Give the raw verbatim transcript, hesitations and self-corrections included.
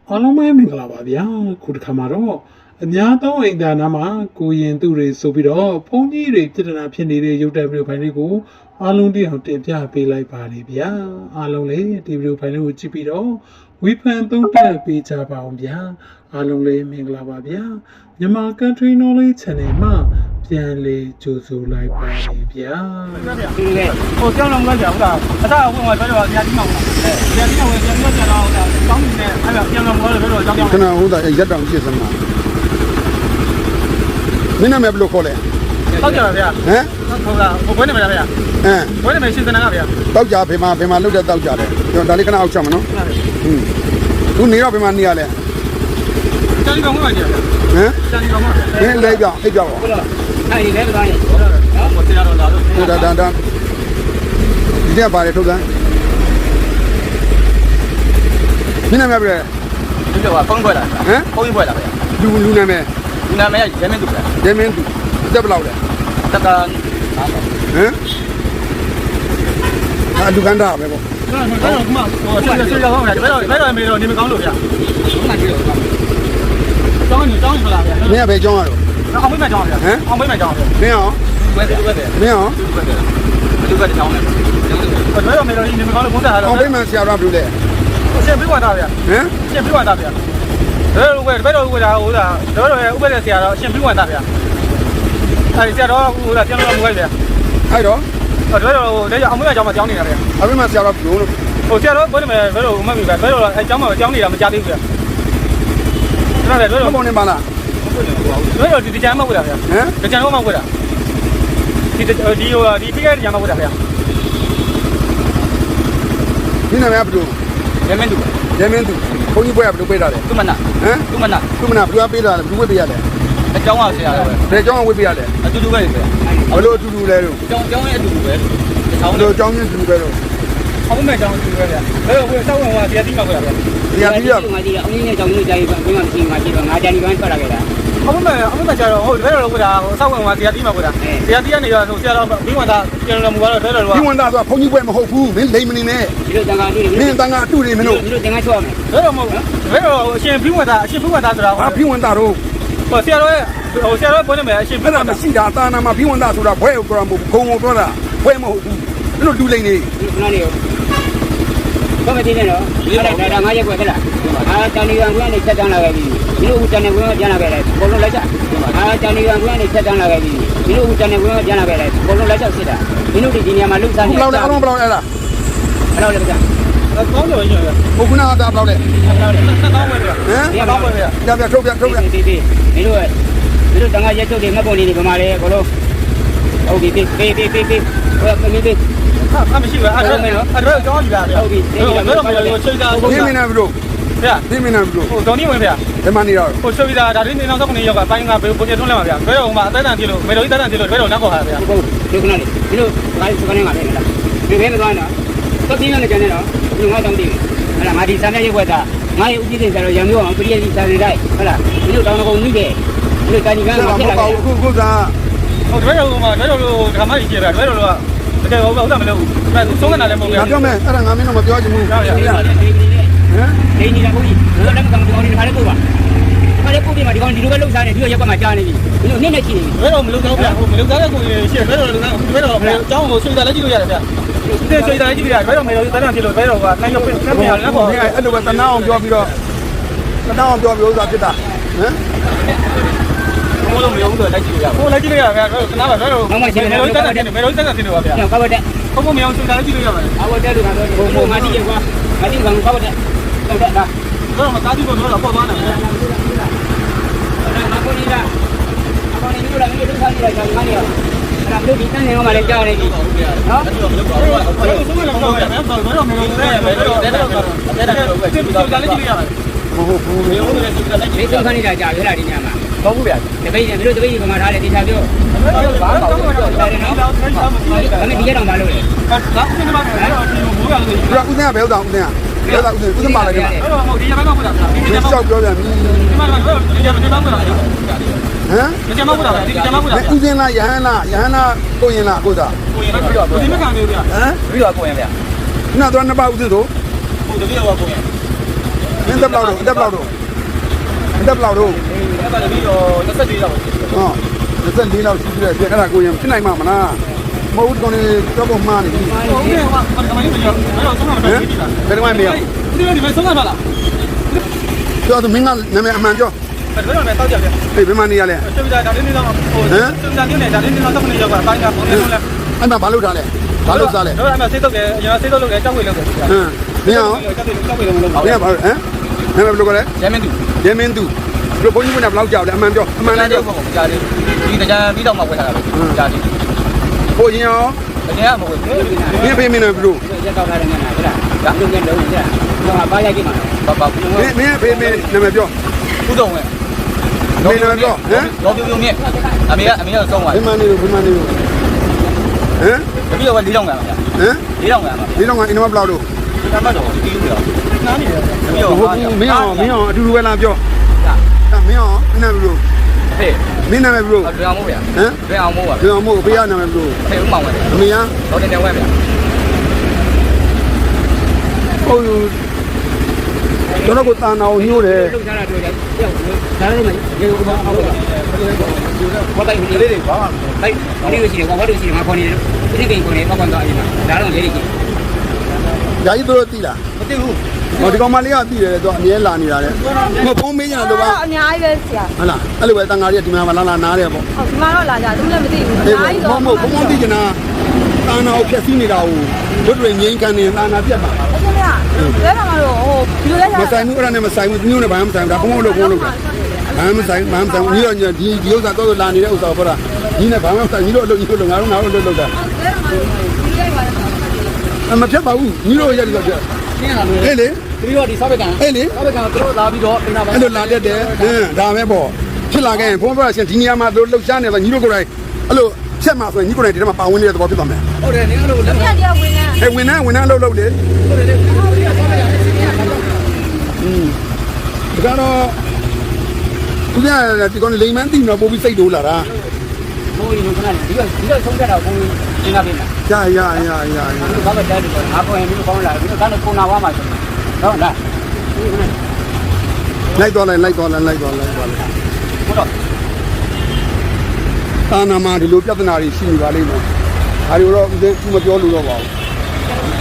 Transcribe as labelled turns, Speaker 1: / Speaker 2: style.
Speaker 1: အားလုံးပဲမင်္ဂလာပါဗျာခုတစ်ခါမှာတော့အများသောအိမ်သာနာမှာကိုရင်သူတွေဆိုပြီးတော့ဘုန်းကြီးတွေပြည်ထနာဖြစ်နေတဲ့ရုပ်တက်ဗီဒီယိုဖိုင်လေးကိုအားလုံးတရားတင်ပြပေးလိုက်ပါတယ်ဗျာအားလုံးလည်းဒီဗီဒီယိုဖိုင်လေးကိုကြည့်ပြီးတော့ဝီဖန်သုံးသပ်ပေးကြပါအောင်ဗျာအားလုံးလည်းမင်္ဂလာပါဗျာမြန်မာ Country Knowledge Channel မှာပြန်လေကြိုဆိုလိုက်ပါတယ်ဗျာ
Speaker 2: ဒီလေဟိုကြောင်းလုံးကကြောက်တာအသာဝင်မှာပြောတော့ညာကြီးမောင်လားညာကြီးမောင်ဝင်ပြန်ပြောကြတော့တောင်းနေတယ်အဲ့ဒါပြန်လုံးပြောတော့ကြောင်းကြောင်း
Speaker 3: ခဏဟုတ်တာရက်တောင်ဖြစ်စမ်းမှာမင်းနာမည်ဘယ်လိုခေါ်လဲ
Speaker 2: တောက်ကြပါဗျာ
Speaker 3: ဟမ်
Speaker 2: ဟုတ်လားဘယ်နေမှာဗျာ
Speaker 3: ဟမ်
Speaker 2: ဘယ်နေမှာရှင်းစနာကဗျာ
Speaker 3: တောက်ကြဖေးမှာဖေးမှာလုတ်တဲ့တောက်ကြတယ်ကျွန်တော်ဒါလေးခဏအောက်ချက်မနော်ဟင်းသူနေတော့ဖေးမှာနေရလဲ
Speaker 2: ကျန်ကောင်မှာကြာ
Speaker 3: ဟမ်
Speaker 2: ကျန်ကောင်မှာ
Speaker 3: မင်းလဲကြောင်အိတ်ကြောင်
Speaker 2: ဟုတ်လားအဲ့ဒီလဲမသားနေနော်ဟိုတရားတော့လာလို့
Speaker 3: ဟုတ်ဒါဒါဒါဒီကပါတယ်ထုတ်စမ်းမင်းနာမည်ဘယ်
Speaker 2: ဒီကဖုန်းပွဲလာ
Speaker 3: ဟမ်
Speaker 2: ဖုန်းပွဲလာဗျာ
Speaker 3: လူလူနာမည်
Speaker 2: လူနာမည်ရဲမင်းသူဗျာ
Speaker 3: ရဲမင်းသူတက်ဘယ်လောက်လဲ
Speaker 2: တက်က
Speaker 3: ဟမ်အာလူကန်တာပဲပေါ့
Speaker 2: ဟုတ်တယ်ဟုတ်မှာဟိုဆွေဆွေရောက်အောင်ဗျာဘယ်တော့ဘယ်တော့မေတော့နေမကောင်းလို့ဗျာဟုတ်လားကြည့်တော့တောင်းနေတောင်းနေလားဗျာ
Speaker 3: မင်းကဘယ်ကျောင်းရတော့
Speaker 2: အောင်မေးမှကြောင်းဗျာအောင်မေးမှကြောင်းဗျာ
Speaker 3: မင်းရော
Speaker 2: ဝဲတယ်ဝဲတယ်
Speaker 3: မင်းရော
Speaker 2: လူကတကြောင်းလေဘယ်တော့မေတော့နေမကောင်းလို့ဘုန်းတာတော့
Speaker 3: အောင်မေးမှဆရာတော်ဘယ်လိုလဲ
Speaker 2: ရှင်းပြပါသားဗျာ
Speaker 3: ဟမ်
Speaker 2: ရှင်းပြပါသားဗျာဘယ်လိုဝဲဘယ်တော့ဝဲတာဟိုလားတော့တော့ဥပဒေဆရာတော်ရှင်းပြပါသားဗျာအဲဒီဆရာတော်ဟိုလားပြန်လို့မဝဲဗျာ
Speaker 3: အဲ့တော့
Speaker 2: တော့တော့ဒါကြောင့်အောင်မေးမှကြောင်းမကြောင်းနေတာဗျာ
Speaker 3: အမေးမှဆရာတော်ဘယ်လို
Speaker 2: ဟိုဆရာတော်ဘယ်လိုမဲဘယ်လိုမှမပြီးဗျာဘယ်လိုအဲကြောင်းမကြောင်းနေတာမကြသေးဘူးဗျာအဲ့ဒါလည်းဘယ်လို
Speaker 3: ဘုံနေပါလား
Speaker 2: ဘယ်လိုဒီကြမ်းမဟုတ်လားဗျာ
Speaker 3: ဟမ်
Speaker 2: ဒီကြမ်းတော့မဟုတ်လားဒီဒီဟိုဒီဖိကဲကြမ်းမဟုတ်လားဗျာ
Speaker 3: ဒီနာမည်ဘယ်လို
Speaker 2: ရဲမင်းသူ
Speaker 3: ရဲမင်းသူဘုန်းကြီးဘွဲကဘယ်လိုပေးတာလဲ
Speaker 2: သူမနာ
Speaker 3: ဟမ်
Speaker 2: သူမနာ
Speaker 3: သူမနာဘယ်လိုပေးတာလဲဘယ်လိုဝေးပေးရလဲ
Speaker 2: အကြောင်းကဆရာပဲ
Speaker 3: ဘယ်ကျောင်းကဝေးပေးရလဲ
Speaker 2: အတူတူပဲဆရာ
Speaker 3: ဘယ်လိုအတူတူလဲလို့
Speaker 2: ကျောင်းကျောင်းရဲ့အတူတူပဲ
Speaker 3: ကျောင်းတို့ကျောင်းချင်းတူပဲလို့
Speaker 2: အောင်မဲ့ကျောင်းအတူတူပဲဗျာဘယ်လိုကိုစောက်ဝင်ကတရားတိမှာဗျာ
Speaker 3: တရားတိရ
Speaker 4: ငါဒီအုံးကြီးနဲ့ကျောင်းကြီးကြာပြီဘယ်မှမရှိငါကြည့်တော့ငါကြာဒီပိုင်းထွက်လာခဲ့တာ
Speaker 2: အောင်မဲ့အောင်မဲ့ကျတော့ဟုတ်ဘယ်လိုလုပ်ကြတာဟိုစောက်ဝင်ကတရားတိမှာဗျာတရားတိကနေတော့ဆရာတော်ဘင်းဝင်သားပြန်တော်မူကတော့ဘယ်လိုလုပ်
Speaker 3: ဘင်းဝင်သားဆိုတာဘုန်းကြီးဘွဲမဟုတ်ဘူးမင်းလိမ်မနေနဲ့
Speaker 4: ဒီလိုတန်ခါတူတွေ
Speaker 3: မင်းတန်ခါတူတွေမင်းတို့
Speaker 4: ဒီလိုတန်ခါချောက်မယ်
Speaker 2: ဘယ်လိုမဟုတ်ဘယ်လိုအရှင်ဘင်းဝင်သားအရှင်ဘင်းဝင်သားဆိုတာ
Speaker 3: ဟာဘင်းဝင်သားတို့
Speaker 2: ဟိုဆရာတော်ရဲ့ဟိုဆရာတော်ပြောနေမယ်အရှင်ဘ
Speaker 3: င်းဝင်သားမရှိတာတာနာမှာဘင်းဝင်သားဆိုတာဘွဲကိုပြောမှာမဟုတ်ဘူးဂုံကိုပြောတာဘွဲမဟုတ်ဘူးမင်းတို့လူလိမ်နေ
Speaker 4: ခဏလေးဘာမတင်နေတော့အဲ့ဒါဒါငါရက်ွက်ခဲ့လားအာတန်ဒီကံကွန်းနဲ့ချက်တန်းလာခဲ့ပြီဒီလိုဦးတန်နေကွန်းကပြန်လာခဲ့တယ်ဘုံလုံးလိုက်ချအာတန်ဒီကံကွန်းနဲ့ချက်တန်းလာခဲ့ပြီဒီလိုဦးတန်နေကွန်းကပြန်လာခဲ့တယ်ဘုံလုံးလိုက်ချစစ်တာဒီလိုဒီနေရာမှာလှုပ်ရှားနေ
Speaker 3: ဘယ်လောက်လဲအလုံးဘယ်လောက်လဲလား
Speaker 4: ဘယ်လောက်လဲဗျာ
Speaker 2: အကောင်းတယ်ညော
Speaker 3: ဘုခုနာတာဘယ်လောက်လဲ
Speaker 2: ဘယ်လောက်လဲဆက်ကောင်းပဲဗျာ
Speaker 3: ဟမ်
Speaker 2: ဒီကောင်းပဲဗျာ
Speaker 3: ပြပြထုတ်ပြထုတ်ပြ
Speaker 4: ဒီဒီဒီလိုဒီလိုတန်ခါရက်ထုတ်တွေမပုံနေနေပမာလေဘလုံးဟုတ်ပြီပေးပေးပေးပေးဟိုပေးပေး
Speaker 2: ဟာမရှိဘူးအဲ့ဒါအဲ့ဒါကြောင်းကြည့်ပါဗျာ
Speaker 4: ဟုတ်ပြီ
Speaker 2: ဘယ်လိုဘယ်လိုချိန်တာ
Speaker 3: ဒီမင်းနာဘယ်လို
Speaker 2: ဗျာ
Speaker 3: ဒီမင်းနာဘယ်လို
Speaker 2: ဟိုဒေါ်နီဝင်ဗျာ
Speaker 3: ဒီမနေတော့
Speaker 2: ဟိုချွေးတာဒါလေးနေနောက်တော့ကနေရောက်ကပိုင်းကဘယ်ပုံပြထွန်းလဲပါဗျာဘယ်တော့မှအသက်တန်ပြလို့မေတော်ကြီးတက်တန်ပြလို့ဘယ်တော့နောက်ခေါ်တာဗျာ
Speaker 4: ဟုတ်ဒီခဏလေးဒီလိုဒါစကနေငါပဲလားဒီဘဲမသွားနော်တော့ပြင်းနေကြနေတော့ဒီငါတောင်းတည်ဟဲ့လားငါဒီစာမျက်ရုပ်ွက်တာငါရဲ့ဥပဒေဆိုတော့ရံမျိုးအောင်ပရိယတိစာနေလိုက်ဟုတ်လားဒီလိုတောင်းတော့ကုန်ပြီပဲဒီလိုတာညီကငါဖြစ်လာတယ်
Speaker 3: အခုခုက
Speaker 2: ဟိုဘယ်တော့မှဘယ်တော့လို့ဓမ္မကြီးကြည့်ဗျာဘယ်တော့လို့တကယ်ဟုတ်တယ်မလို့အဲသုံးနေတာလည်းမဟုတ်ဘူး
Speaker 3: ငါပြောမယ်အဲ့ဒါငါမင်းတော့မပြောချင်ဘူးဟမ်
Speaker 4: နေနေတာဘုကြီးဘယ်တော့မှမကောင်းနေတာလည်းပို့ပါခါလေးပို့ပြီးမှဒီကောင်ဒီလိုပဲလှုပ်ရှားနေဒီလိုရက်ကမှကြားနေပြီဒီလိုနည်းနည်းရှိနေ
Speaker 2: ဘယ်တော့မလုပ်တော့ဗျာဟိုမလုပ်သားတဲ့ကိုရှေ့ဘယ်တော့လုပ်ဘယ်တော့အကြောင်းကိုဆွေးတာလည်းကြည့်လို့ရတယ်ဗျာဒီဆွေးတာလည်းကြည့်ရတယ်ဘယ်တော့မေတော်ကြီးတန်းတန်းပြလို့ဘယ်တော့ကနိုင်ရုပ်ပြဆက်ပြရတယ်ပေါ့
Speaker 3: အဲ့လိုပဲတနာအောင်ပြောပြီးတော့တနာအောင်ပြောပြီးဥစ္စာဖြစ်တာဟမ်
Speaker 2: ဘိုးလုံးမယုံဆိုလိုက်ကြည့်ရအောင်ဟိုလိုက်ကြည့်ရအောင်ဗျာခဏပါဘယ်တော့မေတော်ကြီးတန်းတန်းမေတော်ကြီးတန်းတန်းတင်လို့ပါဗျာ
Speaker 4: ကောက်တဲ့
Speaker 2: ဘုံဘုံမယုံဆွေးတာလည်းကြည့်လို့ရပါတယ်
Speaker 4: အော်တဲ့လူကတော့ဘုံဘုံငါတိရကွာငါတိကောင်ကောက်တဲ့ကောက်တဲ့လား
Speaker 2: တော့မသားကြည့်လို့တော့ပေါ်သွားတယ်ဗျာ
Speaker 4: အခုဒီကအကောင်နေလို့လည်းမင်းတို့ထားကြည့်လိုက်ကြငါနေရောအဲ့ဒါလို့ဒီတန်းနေအောင်မလည်းကြားနေပြီနော်
Speaker 2: ဘယ်လိုဆုံးမလဲတော့ဗျာဘယ်တော့မေတော်ကြီးဘယ်တော့ဘယ်တော့အဲ့ဒါတော့ပဲကြည့်လို့လည်းကြည့်လို့ရတယ်
Speaker 3: မဟုတ်ဘူး
Speaker 2: မေတော်ကြီးလည်းကြည့်လိုက်ကြည့်
Speaker 4: ဒီဆုံးခနေတာကြာရလားဒီညမှာ
Speaker 2: ဟုတ်ဘူးဗျာ
Speaker 4: တပိတ်တယ်တို့တပိတ်ကမှထားတယ်ဒီချာပြော
Speaker 2: ဘာမှမလုပ်တော့ဘူးတယ်နော်ဒါပေ
Speaker 4: မဲ့ဒီရတော့မလုပ်လေ
Speaker 2: ဒါကနေ့မှပဲဒီမိုးရတယ်
Speaker 3: ဒီကဦးစင်းကဘယ်ဥဆောင်ဦးစင်းကဘယ်ဥဆောင်ဦးစင်းဦးစင်းပါလိုက်တယ်
Speaker 2: အဲ့တော့မဟုတ်ဒီရမ်းမဟုတ်တာဒီ
Speaker 3: ကျ
Speaker 2: ရမ်း
Speaker 3: ောက်ပြောပြန်ပြီ
Speaker 2: ဒီမှာတော့ဒီရမ်းဒီမှာမဟုတ်တာဟမ်
Speaker 3: ဒီ
Speaker 2: ရမ်းမဟုတ်တာဒီရမ်းမဟုတ်တာ
Speaker 3: ဦးစင်းလားယဟန်လားယဟန်လားကိုရင်လားကိုသား
Speaker 2: ကိုရင်ပြီးတော့ဒီမခံမျိုးဗျာ
Speaker 3: ဟမ်
Speaker 2: ပြီးတော့ကိုရင်ဗျာ
Speaker 3: ခုနကတော့နှစ်ပါးဦးစင်းဆို
Speaker 2: ဟုတ်တကယ်တော့ကိုရင်
Speaker 3: ဟမင်းတက်ဘလောက်တော့တက်ဘလောက်တော့တက်ဘလောက်တော့
Speaker 2: အဲ့ဒါလည်းပြီးတော့နှစ်ဆက်သေးတော့
Speaker 3: ဟောတက်လေးလောက်ရှိတယ်ပြအဲ့ဒါကိုရင်ဖြစ်နိုင်မှာမလားမဟုတ်ကောင်နေတော့မှမှားနေပြီ
Speaker 2: ဟုတ်ကဲ့ဟာကမိုင်းမပြောအဲ့တော့ဆုံးမှာမပြောဘူးလား
Speaker 3: ဘယ်တော့မှမရ
Speaker 2: ဒီလိုဒီမှာဆုံးမှာလား
Speaker 3: ပြောသူမင်းကနာမည်အမှန်ပြော
Speaker 2: ဘယ်တော့မှတောက်ကြပြန်
Speaker 3: ဟေးဘယ်မှနေရလဲ
Speaker 2: ဆွေးကြတာလေးနေတော့ဟိုဆွေးကြနေတယ်ဒါလေးနေတော့တော့နေရောက်တာတိုင်းကပုံနေလို့လဲ
Speaker 3: အဲ့မှာဘာလုပ်ထားလဲဘာလုပ်စားလဲ
Speaker 2: တော့အဲ့မှာဆေးတော့တယ်အရင်ဆေးတော့လုပ်တယ်ကြောက်ဝေလုပ်တယ်
Speaker 3: ဟမ်မင်းအောင်
Speaker 2: ကြောက်ဝေကြောက်ဝေလုပ်လို့
Speaker 3: မင်းကဘာဟမ်နာမည်ဘယ်လိုကလဲ
Speaker 2: ရဲမင်းသူ
Speaker 3: ရဲမင်းသူဘယ်ဘုန်းကြီးကဘယ်လောက်ကြောက်လဲအမှန်ပြောအမှန်လည်းပြော
Speaker 2: ကြားတယ်ဒီတရားပြီးတော့မှဝယ်ထားတာပဲကြားတယ်
Speaker 3: ဘုန်းကြီးရော
Speaker 2: တကယ်ကမဟုတ်ဘူး
Speaker 3: မင်းဖေးမင်းနဲ့ဘယ်လို
Speaker 4: ရက်တော့ထားတယ်ငါလားဒါလုံးကျလုံးကျတော့ဘာရိုက်ကြည့်မှာ
Speaker 2: ဘာဘာ
Speaker 3: မင်းမင်းဖေးမင်းနာမည်ပြော
Speaker 2: ဥဒုံဝဲ
Speaker 3: မင်းနာမည်ပြောဟမ်
Speaker 2: တော့ပြုံပြုံမြင့်အမေကအမေကဆုံးသွား
Speaker 3: ဘယ်မှနေလို့ဘယ်မှနေလို့ဟမ်
Speaker 2: တပည့်တော့၄တောင်ကပါဗျာ
Speaker 3: ဟမ်
Speaker 2: ၄တောင်ကပါ
Speaker 3: ဒီတော့ကအင်းမဘလောက်တော့
Speaker 2: ဒီကမှတော့ဒီလိုပြောနားနေတယ်တပည့်တော့
Speaker 3: ဟုတ်ဘူးမင်းအောင်မင်းအောင်အတူတူပဲလားပြောအဲ့မင်းအောင်မင်းနာမည်ဘယ်လို
Speaker 2: ဟဲ့
Speaker 3: မင်းနာမည်ဘယ်လို
Speaker 2: ဘယ်အောင်မို့ဗျာ
Speaker 3: ဟမ်
Speaker 2: ဘယ်အောင်မို့ပါ
Speaker 3: ဒီအောင်မို့ဘေးကနာမည်ဘယ်လို
Speaker 2: ဟဲ့ဥမောင်ဝဲ
Speaker 3: အမေက
Speaker 2: တော့တင်တယ်ဝဲဗျာ
Speaker 3: ဟုတ်ယူကျွန်တော်ကတာနာကိုညှို့တယ်
Speaker 4: လုံးထားတာတွေ့တယ်ရောက်ဒါလည်းမရေဘူးဘာဟုတ်လားဘာတိုင်းဒီလေးတွေဘာတိုင်းဒီလိုရှိတယ်ဘာလို့ရှိတယ်ငါခေါ်နေတယ်ဒီကိန်းခေါ်နေပေါ့ကွန်တော့အရင်ဒါတော့လေးတွေကြီး
Speaker 3: ဓာကြီးတို့သိလား
Speaker 2: မသိဘူး
Speaker 3: ဟောဒီကောင်မလေးကသိတယ်တော့အမြဲလာနေတာလေမဖုံးမင်းညာတော့ပါ
Speaker 5: အများကြီးပဲဆရာ
Speaker 3: ဟုတ်လားအဲ့လိုပဲတန်ဃာကြီးကဒီမှာလာလာနားတယ်ပေါ့
Speaker 5: ဟုတ်ဒီမှာတော့လာကြသူလည်းမသိဘူးအ
Speaker 3: အေး
Speaker 5: များကြီး
Speaker 3: မ
Speaker 5: တော့
Speaker 3: ဟုတ်မဟုတ်ဘုံဘုံသိကျင်တာတာနာကိုဖြတ်စည်းနေတာကိုတို့တွေငိမ့်ကန်နေတာနာပြတ်ပါ
Speaker 5: အရှင်ကလဲပါမလို့ဟိုဒီလိုလဲ
Speaker 3: မဆိုင်ဘူးအဲ့ဒါနဲ့မဆိုင်ဘူးညို့နဲ့ဘာမှမဆိုင်ဘူးဒါဘုံဘုံလို့ဘုံလို့ဘာမှမဆိုင်ဘာမှမဆိုင်ဘူးညို့ညဒီဒီဥစ္စာတော့လာနေတဲ့ဥစ္စာပေါ့လားဒီနဲ့ဘာမှမဆိုင်ညို့အလုပ်ညို့လို့ငါတို့ငါတို့လုပ်လုပ်တာ
Speaker 5: လဲပါမလို့ဒီလိုက်ပါတော့
Speaker 3: မဖြတ်ပါဘူးညို့ရက်တော့ပြ
Speaker 2: ရှင်းလာလို့
Speaker 3: ဟဲ့လေ
Speaker 2: ဒီတော့ဒီဆောက်ဘက်က
Speaker 3: ဟဲ့လေ
Speaker 2: ဆောက်ဘက်ကတို့လာပြီးတော့ပြင်တာပါ
Speaker 3: အဲ့လိုလာတတ်တယ်ဟမ်ဒါပဲပေါ့ဖြစ်လာခဲ့ရင်ဘုံဘုံရှင်ဒီနေရာမှာတို့လှုပ်ရှားနေတော့ညီတို့ကိုယ်တိုင်အဲ့လိုဖြတ်မှာဆိုရင်ညီကိုယ်တိုင်ဒီထဲမှာပါဝင်နေတဲ့သဘောဖြစ်သွားမယ်
Speaker 2: ဟုတ်တယ်နင်ကလို့လက်
Speaker 5: ပြတရားဝင်နေ
Speaker 3: အဲဝင်နေဝင်နေလှုပ်လှုပ်လေอืมဒါကတော့ဦးဇင်းဒီကောင်လိမ်မန်းတိနော်ပို့ပြီးစိတ်တိုးလာတာ
Speaker 4: ဘိုးကြီးကလည်းဒီကဒီကဆုံးကြတာဘိုးကြီးသင်္ကပင်းလား
Speaker 3: ရရရရရ
Speaker 4: ဘာပဲတက်တယ်ငါခေါ်ရင်ဒီကောင်းလာဒီကတော့ကိုနာဝါမှာဆိုတော့လား
Speaker 3: လိုက်တော့လိုက်လိုက်တော့လိုက်လိုက်တော့လိုက်တော့လိုက်
Speaker 2: ဟုတ်တော့
Speaker 3: တာနာမှာဒီလိုပြဿနာတွေရှိနေပါလိမ့်မယ်ဒါတွေတော့ဦးဇင်းမပြောလို့တော့ပါဘူး